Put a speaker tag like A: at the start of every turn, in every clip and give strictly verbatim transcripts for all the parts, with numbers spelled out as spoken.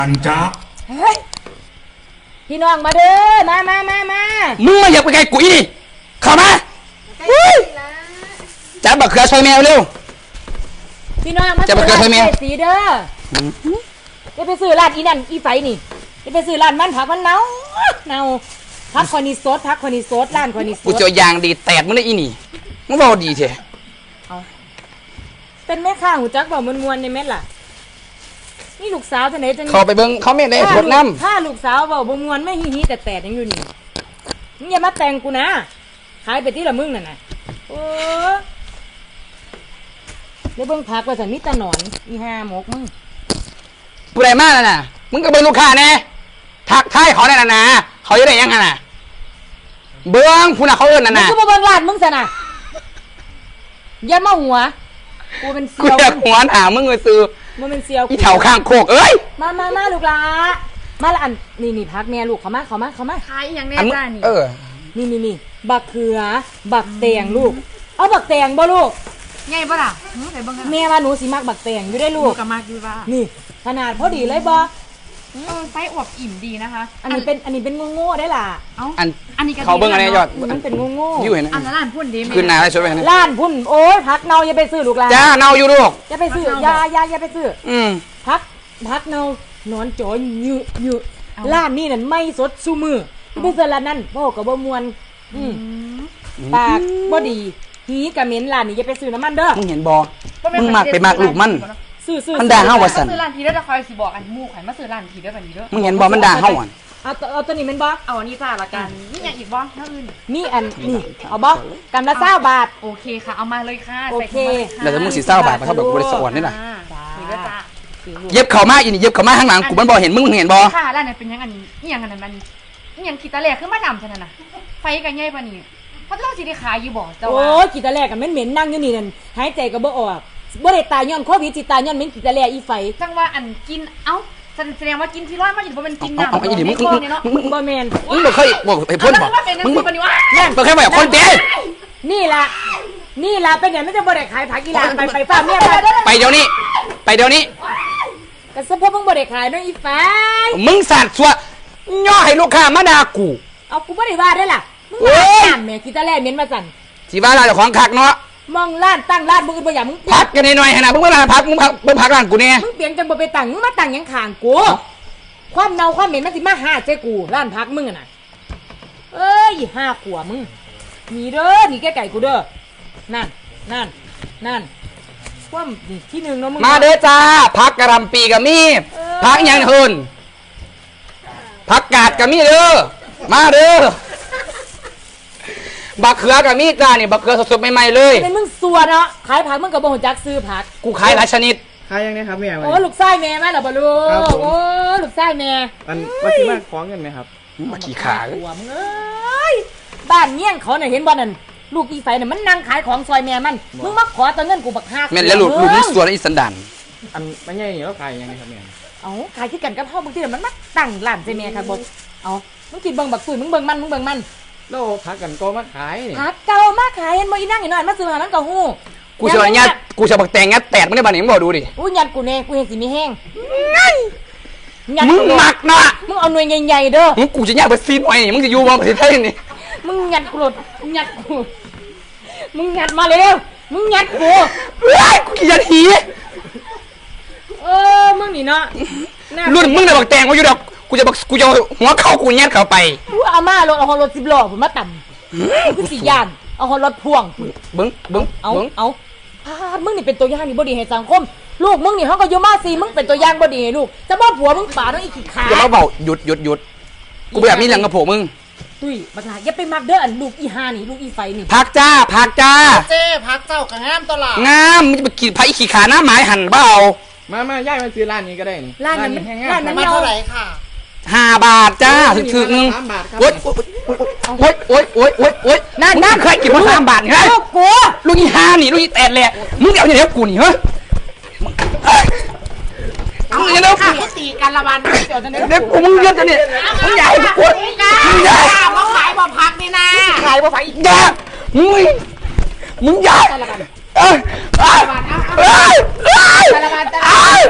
A: อันจ้า
B: เฮ้ยพี่น้องมาเด้อมามามามา
C: มึงมาอย่าไปไกลกูอีเข้ามาจับบักเขือช่วยแมวเร็ว
B: พี่น้องมา
C: จับบักเขือช่วยแมว
B: สีเด้อจะไปซื้อร้านอีนั่นอีไฟนี่จะไปซื้อร้านมันผักมันเน่าเน่าพักคอนิโซดพักคอนิโซดร้านคอนิโซด
C: กูเจอยางดีแตกมึงได้อีนี่มึงบอกดีเถอะ
B: เป็นแม่ข้าหูจักบอกมวนๆในเม็ดล่ะนี่ลูกสาวท่านไหนจะ
C: เขาไปเบิ้งเขาไม่ได้พดน้
B: ำถ้าลูกสาวบอกมวนไม่ฮีฮีแต่แต่ยังอยู่นี่มึงอย่ามาแต่งกูนะขายไปที่ละมึงน่ะนะโอ้เดี๋ยวเบิ้งพักว่าสันมิตรหนอนอีห้าหมกมึง
C: ผู้ใดมากน่ะมึงก็เบิ้งลูกค้าแน่ทักทายเขาแน่น่ะนะเขาจะได้ยังไงน่ะเบิ้งผู้น่ะเขาเอิ้นน่ะนะ
B: มึงก็มาเบิ้งร้านมึงซะนะอย่ามาหัวกูเป็นเซียว
C: กูอยากหัวหนามึงเลยซื้อ
B: มึงเป็นเซียว
C: อีแถวข้างโคกเอ้ย
B: มามามาลูกละมาละอันนี่นี่พักแม่ลูกเขามาเขามาเขามา
D: ขายอย่างแน่จ้านี่
C: เออ
B: นี่นี่นี่บักเขือบักแตงลูกเอาบักแตงบ่ลูก
D: ใหญ่ป่ะล่ะไหนบ้างกัน
B: แม่ว่าหนูสิมักบักแตงอยู่ได้ลูก
D: กับมากอยู่ป่ะ
B: นี่ขนาดพอดีเลยบ่
D: เออไส้อวบอิ่มดีนะคะ
B: อันนี้เป็นอันนี้เป็นโง่ๆได้ล่ะ
D: เอ้าอันอันนี้
C: เขาเบิ้งอะไรยอด
B: มันเป็นโง่
C: ๆอยู่เห็น
D: อันนั้นร้านพุ่นดี
C: ขึ้นนาอะไรช่วยไปนะ
B: ร้านพุ่นโอ้ยพักเนาอย่าไปซื้อลูกหลาน
C: จ้าเนาอยู่ลูก
B: อย่าไปซื้ออย่าอย่าอย่าไปซื้อ
C: อืม
B: พักพักเนาหนอนจอยยืดยืดร้านนี้นั่นไม่สดซูมือที่เป็นเซอร์ร้านนั้นพ่อกับบ่มวนอืมปากบ่ดีหีกะเหม็นร้านนี้อย่าไปซื้อน้ำมันเด้อ
C: มึงเห็นบ่มึงมักไปมักลูกมัน
B: ซื้อซื้อ
C: มันด่าเฮาว่าซั่น
D: ซื้อร้านทีเด้อจะคอยสิบอกอันมูข่อยมาซื้อร้านทีเด้อแบบนี้เด้อ
C: มึงเห็นบ่มันด่าเฮาอ่ะ
B: เอาเอาตัวนี้มันบ่
D: เอาอันนี้จ้าละกันนี่อย่างอีกบ่เท่าอื่น
B: นี่อันนี่เอาบ่กำละเก้าบาท
D: โอเคค่ะเอามาเลยค่ะ
B: โอเค
C: แล้วมึงสิเศร้าบาทมาเท่าแบบบริษัทอ่อนนี่น่ะ
D: นี่เด้อจ้า
C: เย็บเข่ามาอีนี่เย็บเข่ามาข้างหลังกูมันบ่เห็นมึงเห็นบ่
D: ค่ะร้านนั้นเป็นยังอันนี่ยังอันนั้นมันนี่ยังขีตาแหลกขึ้นมาดำซะนั่นน่ะไฟกันใหญ่ปานนี้มันเราสิได้ขายอยู่บ่เจ้าว่า
B: โอ้ยขีตาแลกกันเหม็นๆนั่งอยู่นี่นั่นหายใจก็บ่ออกบ่ได้ตายย้อนโควิดสิตายย้อนเหม็นขีตาแลอีไฟ
D: จังว่าอันกินเอ้าแสดงว่ากินที่ร้อยมาอยู่บ่เป็นกินน้ำ
C: เอาอีนี่มึงมึงมึง
B: บ่แม่น
C: มึงบ่เคยบอกไอ้พ่นบ่มึงบ่นั่นบ่เคยบอกคนเด้
B: นี่ล่ะนี่ล่ะเป็นอย่างนั้นจะบ่ได้ขายผักอีหลานไปไปฟ้าเมีย
C: ไปเดี๋ยวนี้ไปเดี๋ยวนี้
B: ก็ซะเพราะมึงบ่ได้ขายเนาะอีไฟ
C: มึงสาดซัวย่อให้ลูกค้ามาด่ากู
B: เอากูบ่ได้ว่าได้ล่ะมึงมาตามแม่ขีตาแลเหม็นมาสั่น
C: สิว่าร้านเจ้าของคักเนาะ
B: มองร้านตั้งร้านมึงบ่อย่ามึง
C: พักกันหน่อยๆหั่นน่ะมึงมาร้านพักมึงพักมึงพักร้านกูแน่
B: มึงเปลี่ยนจังบ่ไปตั้งมึงมาตั้งหยังข้างกูความเน่าความเหม็นมันสิมาหาใจกูร้านพักมึงน่ะเอ้ยห้าขวบมึงนี่เด้อนี่แกไก่กูเด้อนั่นนั่นนั่นความนี่ที่หนึ่งเนาะมึง
C: มาเด้อจ้าพักกระลำปีกับมีพักยังเฮินพักกาดกับมีเด้อมาเด้อบักเขือกับมีจ้านี่บักเขือสดๆใหม่ๆเลย
B: เป็นมึงสัวเนาะขายผักมึงกับบ่ฮู้จักซื้อผัก
C: กูขายหลายชนิด
E: ขายยังไงครับแม่
B: โอ้ลูกไส้แม่มาแล้วบ่ลูกโอ้ลูกไส้แม่
E: มันมาสิมาคล้องกันไหมครับ
C: มาขี้ขา
B: หัวมึงเอ้ยบ้านเงี้ยงเขาน่ะเห็นบ่นั่นลูกอีไฟน่ะมันนั่งขายของซอยแม่มันมึงมาขอตัวเงินกูบักห้า
C: แม่นแล้วลูกลูกนี่ส่วนอีสันดาน
E: อันไม่ใช่แล้วขายยังไงครับแม่
B: เอ้าขายที่กันกับเฮาบางทีมันมาตั้งร้านใส่แม่ครับบ่เอ้ามึงคิดเบิ่งบักตุ้ยมึงเบิ่งมันมึงเบิ่งมัน
E: แล้วพักกันก็มาขาย
B: พักเก่ามาขายเห็นบ่อีนั่งอยู่นั่นมาซื้อหามันก็ฮู้
C: กูสิว่าญาติกูสิบักแตงงัดแตกมึงได้บ่นี่มึงบ่ดูดิ
B: อู้ยัดกูแน่กูเห็นสิมีแห้ง
C: มึงมักเนาะ
B: มึงเอาหน่วยใหญ่ๆเด้อ
C: มึงกูจะญาติบ่ซีนไว้มึงสิอยู่บ่ประเทศไทยนี่
B: มึงยัดกูโลดยัดกูมึงยัดมาเร็วมึงยัดกู
C: เฮ้ยกูยัดหี
B: เออมึงนี่เนาะ
C: รุ่นมึงน่ะบักแตงว่าอยู่ดอกกูจะบักกูจะหัวเข้ากูยัดเข้าไป
B: กูเอามารถเอารถสิบล้อผมมาต่ำกูสิย่านเอารถพ่วง
C: เบิ้งเบิ้ง
B: เอาเอามึงนี่เป็นตัวอย่างนี่บ่ดีให้สังคมลูกมึงนี่เขาก็อยู่มาสิมึงเป็นตัวอย่างบ่ดีให้ลูกจะบ่ผัวมึงป่าต้องอีกขี้ขา
C: อย่ามาเบาหยุดหยุดหยุดกูแบบนี้หลังกับผมมึง
B: ตุ้ยบักหลาอย่าไปมักเด้ออันลูกอีหานี่ลูกอีไฟนี่
C: พักจ้าพักจ้า
F: เจ้พักเจ้ากับงามตลาด
C: งามมึงจะไปกินไผ่ขี้ขาหน้าไม้หั่นเปล่า
E: มามาย่ายมาซื้อร้านนี้ก็ได้นี่
B: ร้านนั้นร้านนั้น
F: มาเท่าไหร่ค่ะ
C: ห้าบาทจ้าถึงถึงนึงโอ๊ยโอ๊ยโอ๊ยโอ๊ยโอ๊ยโอ๊ยนั่นนั่นเคยกินมาสามบาทเหรอ
B: กู
C: ลูกอีห้านี่ลูกอีแตดแหละมึงเดี๋ยวอย่างเดียวกูนี่เหรอ
F: เอาเดี๋ยวค่ะให้ตีกันละวันเดี๋ยวจะ
C: เดี๋ยวกูมึงเยอะจะเนี่ยมึงใหญ่กู
F: มึงใหญ่มาขายบ่พักนี่นะ
C: ขายบ่พักอีกจ้ามึงมึงใหญ่เอ้ยเอ้ยเอ้ยเอ้ย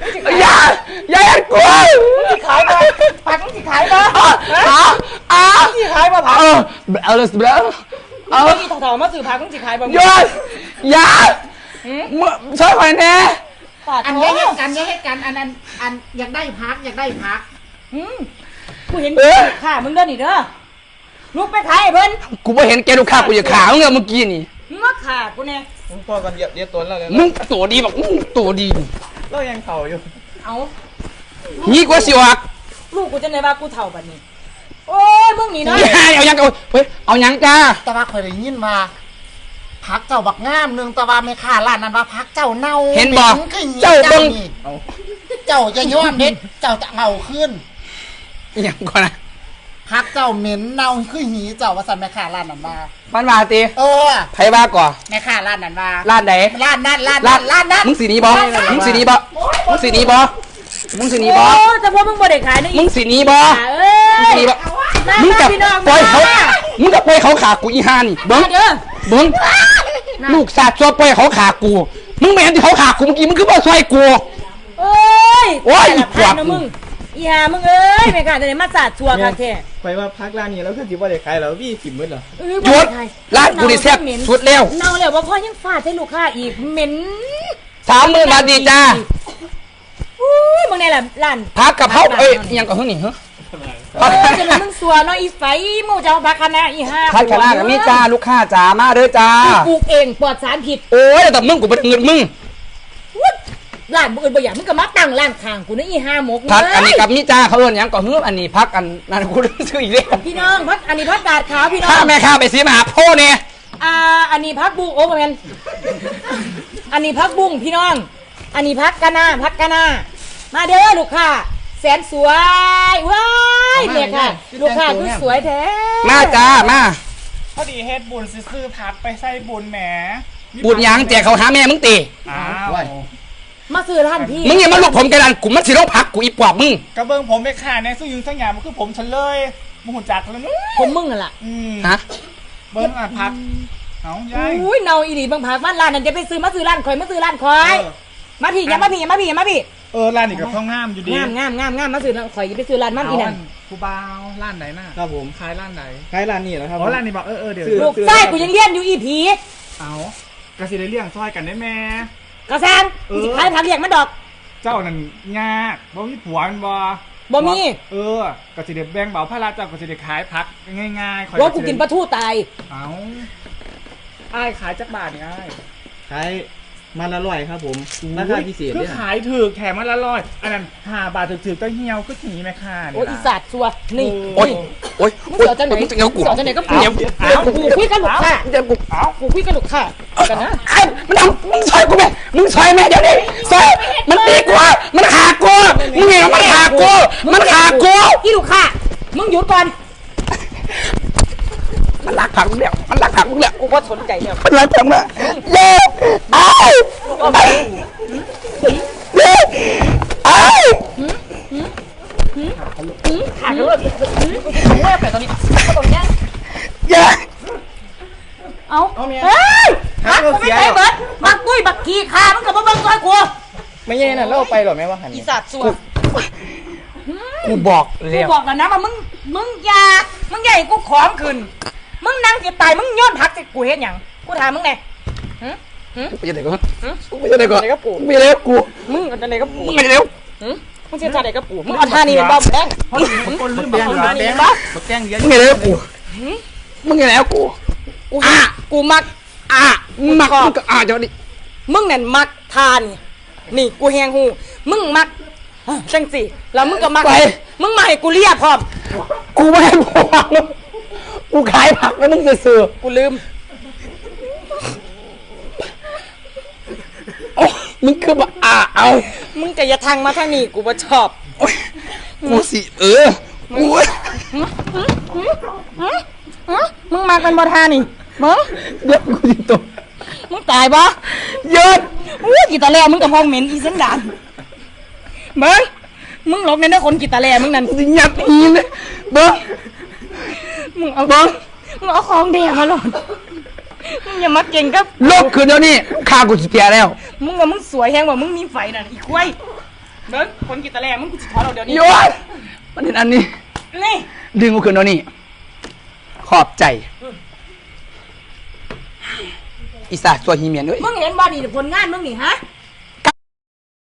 C: อย่าอย่าเห็นกู
B: สิขายบ่ผักมึงสิขายบ่
C: อ้าอ้า
B: สิขายบ่ผัก
C: เออเอาเลยสิเอา
B: เอา
C: เอา
B: อีเถ่าๆมาซื้อผักมึงสิขายบ่
C: หยุดอย่ามึงช่วยหน่อยแน่
B: ปาด
F: อัน
B: โถ่
F: นี้ให้กันนี้ให้กันอันนั้นอันอยากได้พักอยากได้พัก
B: หืมกูเห็นค่ะมึงเด้อนี่เด้อลูกไปขายให้เพิ่น
C: กูไม่เห็นแกลูกค้ากูอย่าขามึงเลยเมื่อกี้นี่
B: มึงมาขากูแน่
E: ผมพอกันเหยียบเรียกตัวแล้วเลย
C: มึงตัวดีแบบมึงตัวดี
E: เรายังเข่าอยู่
B: เอา
C: นี่กว่าสิวะ
B: ลูกกูจะไหนว่ากูเฒ่าบัดนี้ โอ้ยมึงนี่เนาะ
C: เอายังเอาเฮ้ยเอายังจ้า
F: แต่ว่าเคยได้ยินว่าพักเจ้าบักงามหนึงแต่ว่าไม่ค่าร้านนั้นว่าพักเจ้าเน่า
C: เห็นบอก
F: หม็คือหี
C: เจ้าเบิ่ง
F: นี่เจ้าจะย้อมเด็ดเจ้าจะเอาขึ้น
C: ยังก่อนนะ
F: พักเจ้าเหม็นเน่าคือหีเจ้าว่าสันแม่ค่าร้านนั้นว่า
C: มันมาตี
F: เออ
C: ไผบ้าก่อน
F: แม่ค่าร้านนั้นว่า
C: ร้านไหน
F: ร้านนั้นร้าน
C: ร้า
F: นั้น นร้านนั้น
C: มึงสีนี้บอมึงสีนี้บอมึงสีนี้บอมึงสีนี้บอ
B: โอ้แต่พวกมึงบ่ได้ขายนะ
C: มึ
B: อี
C: งสีนี้บอ
B: เอ้ย
C: มึงสีนี้บอ
B: มา
C: มึงกับ
B: พี่น้อง
C: ปล่อยเขา
B: มา
C: มึงกับปล่อยเขาขากูอีห่านี่เบิ้ง
B: มาเด้อ
C: เบิ้งลูกสาดซัวปล่อยเขาขากู มึงไม่เห็นที่เขาขากูเมื่อกี้มึงคือบ่ช่วยกู
B: เอ้ย
C: โอ้ย
B: แต่ละ
C: ขว
B: พั
C: บ
B: นนะมึงอีห่ามึงเอ้ยไม่กล้าจะได้มาสาดชัวร์ค่ะแท้
E: ไปว่าพักร้านนี้แล้วคือจิบว่าได้ขายแล้ววี่ถิ่มมืดเหรอ
B: เอ้
C: หยุด
B: บ่ไขาย
C: ร้านกูนี่แซ่บสุดแล้ว
B: เน่าแล้วว่าพ่อยังฟาดให้ลูกค้าอีกเหม็น
C: สามหมื่นบาทดีจ้า
B: อุ้ยมึงนี่แหละร้าน
C: พักกับเขาเอ้ยยังกับเฮ้ยนี่เหรอ
B: เออจะเป็นมึงสัวเนาะอีไฟมึงจะเอาบักคณะอีห่า
C: พัดคณะกับมีจ้าลูกค้าจ้ามาเด้อจ้า
B: ปลูกเองปลอดสารพิษ
C: โอ้ยแต่มึงกูเป็นเงินมึง
B: วุ้ดร้านมึงอื่นบ่อยากมึงก็มาตั้งร้านข้างกูนะอีห่าหมก
C: พักอันนี้
B: เอ้ย
C: กับมีจ้าเขาเอินหยังก่อนเฮ้ยอันนี้พักอันนั่นกูซื้ออีกแล้ว
B: พี่น้องพักอันนี้พักกาดขาวพี่น้อ
C: ถ้าง แม่ข้าไปซื้อมาหาพ่อเนี่ย
B: อ่าอันนี้พักบุ้งโอ้บ่แม่นอันนี้พักบุ้งพี่น้อง อันนี้พักกะนาพักกะนามาเด้อลูกค้าแสนสวยว้ายเนี่ยค่ะลูกค้าคือสวยแท้
C: มาจ้ามา
A: พอดีเฮ็ดบุญซื้อๆพักไปใส่บุญแหม
C: บุญหยังแจกเขาหาแม่มึงตี
A: อ้าว
B: มาซื้อร้านพี่
C: มึงอย่ามาลุกผมกันดันกูมันสิโรคพักกูอีปอบมึง
A: กระเบื้องผมไปขาในสู้ยุงสังหยามันคือผมฉันเลยมึงหุ่นจักเลยนู้
B: ผมมึงนั่นล่ะ
A: อืม
C: ฮะ
A: เบิ้งอ่ะพักเอายาย
B: อุ้ยเนาอีหลีบางพักบ้านร้านนั่นจะไปซื้อมาซื้อร้านข่อยมาซื้อร้านข่อย
A: เออ
B: มาพี่อย่ามาพี่อย่ามาพี่อย่ามาพี่
A: เออร้านนี้กับท้องงามอยู่ดี
B: งามงามงามงามมาซื้อร้านข่อยอย่าไปซื้อร้านมันอีนั่น
A: ครูบาวร้านไหนน่ะ
E: ครับผม
A: ขายร้านไหน
E: ขายร้านนี้แล้วครับ
A: อ๋อร้านนี้บอกเออเออเดี๋ยว
E: ซื้อ
B: ลูกไส้กูยังเลี้ยนอยู่อีผี
A: เอากระสีได้เลี้ยงซอยกันได้แม่
B: กระซังกูสิขายผักเลี้ยงมันดอก
A: เจ้านั่นยากบ่มีผัวมันบ่
B: บ่มี
A: เออกระสีได้แบ่งเบาภาระเจ้ากระสีได้ขายพักง่ายๆข่อย
B: ว่ากูกินปลาทูตาย
A: เอาอ้ายขายจักบาทนี่อ้าย
E: ขายมาละร้อยครับผมราคาพิเศษ
A: คื
E: เนี่
A: อย ขายถือแถมมันละร้อยอันนั้นห้าบาทถือๆก็เหี่ยวก็หนีแม่ค้าเนี่ย
B: โอ้ยอีสัตว์ชัวนี่
C: โอ๊ยโอ๊ย
B: มึง
C: โอ๊ย
B: เสียวจังไหน
C: มึงจะเงากู
B: เสียวจังไหนก็
C: เดี๋ยว
B: เดี๋ยวกูคุยกันลูกค้า
C: เดี๋ยวกู
A: เอา
B: กูคุยกันลูกค้ากันนะ
C: ไอ้มันทำมึงซอยกูแม่มึงซอยแม่เดี๋ยวนี้ซอยมันตีกูอะมันขากูมึงเห็นมันขากูมันขากู
B: อีลูกค้ามึงหยุดก่อน
C: มันหลักผักมึงแล้วมันหลักผักมึงแล้ว
B: กูก็สนใจแล้ว
C: มันหลักผักมึงเย้ไอ้เย้ไอ้
B: ขาดเลยมึงว่าแต่ตอนนี้ตอนนี้
C: เย้
B: เอาเฮ้ยมักกูไม่ใช่เบิร์ดมักตุ้ยบักขี้ขามึงกับมาเบิ่งซอยกู
E: ไม่แย่น่ะเล่าไปหรอแม่ว่าหัน
B: อี
E: นี่
B: สัตว์สัว
C: กูบอก
B: กู
C: แล้ว
B: บอกแล้วนะว่ามึงมึงอย่ามึงใหญ่กูของขึ้นมึงนั่งจะตายมึงย้อนพักสิกูเฮ็ดหยังกูถามมึงไง
C: ไปยังไงก่อนไปยังไงก่อนไปยังไงกู
B: มึงเอาแต่ไหนก็ปู
C: มึงไงเร็ว
B: มึงเสียใจไหนก็ปูมึงเอาท่านี้เป็นบอมแดง
A: คนลืม
E: แดง
A: บอก
E: แด
A: ร้าน
E: ง
A: นี้
E: บักแกงเยอะ
C: มึงไงเร็วกูมึงไงแล้วกู
B: กูกูมัก
C: อ่ะมึงมักมึงก็อ่ะเดี๋ยวนี้
B: มึงนั่นมักทานนี่กูแหงหูมึงมักจังสิแล้วมึงก็มักมึงมาให้กูเลียพร้อม
C: กูไม่ให้พวงกูขายผักแล้วมึงจะซื้อ
B: กูลืม
C: โอ้มึงคือแบบอ่ะเอา
B: มึงจะอย่าทางมาทางนี้กูบ่ชอบ
C: โอ้ยกูสิเออกู
B: มึงมักเป็นบ่ทานี่มึง
C: เดี๋ยวกูจะตก
B: มึงตายบ่
C: เยิน
B: อู้กีตาแลมึงกับพองเหม็นอีสันดานเบิ้งมึงหลบในนั้นคนกีตาแลมึงนั่น
C: กูจะยัดอีนเลยเบิ้ง
B: มึงเอาเบิ้งมึงเอาของแดงมาหลอนมึงอย่ามาเก่งกับ
C: ลบคืนเดี๋ยวนี้ข้ากูสิเปียแล้ว
B: มึงว่ามึงสวยแฮงว่ามึงมีไฟนั่นอีกไว้เบิ้งคนกินตะแลมึงกูจะถอนเอาเดี๋ยวนี้
C: โยนมันเห็นอันนี้
B: นี่
C: ดึงกูขึ้นเดี๋ยวนี้ขอบใจอีสาตัวฮีเมียนเอ้ย
B: มึงเห็นบอดีผลงานมึงนี่ฮะ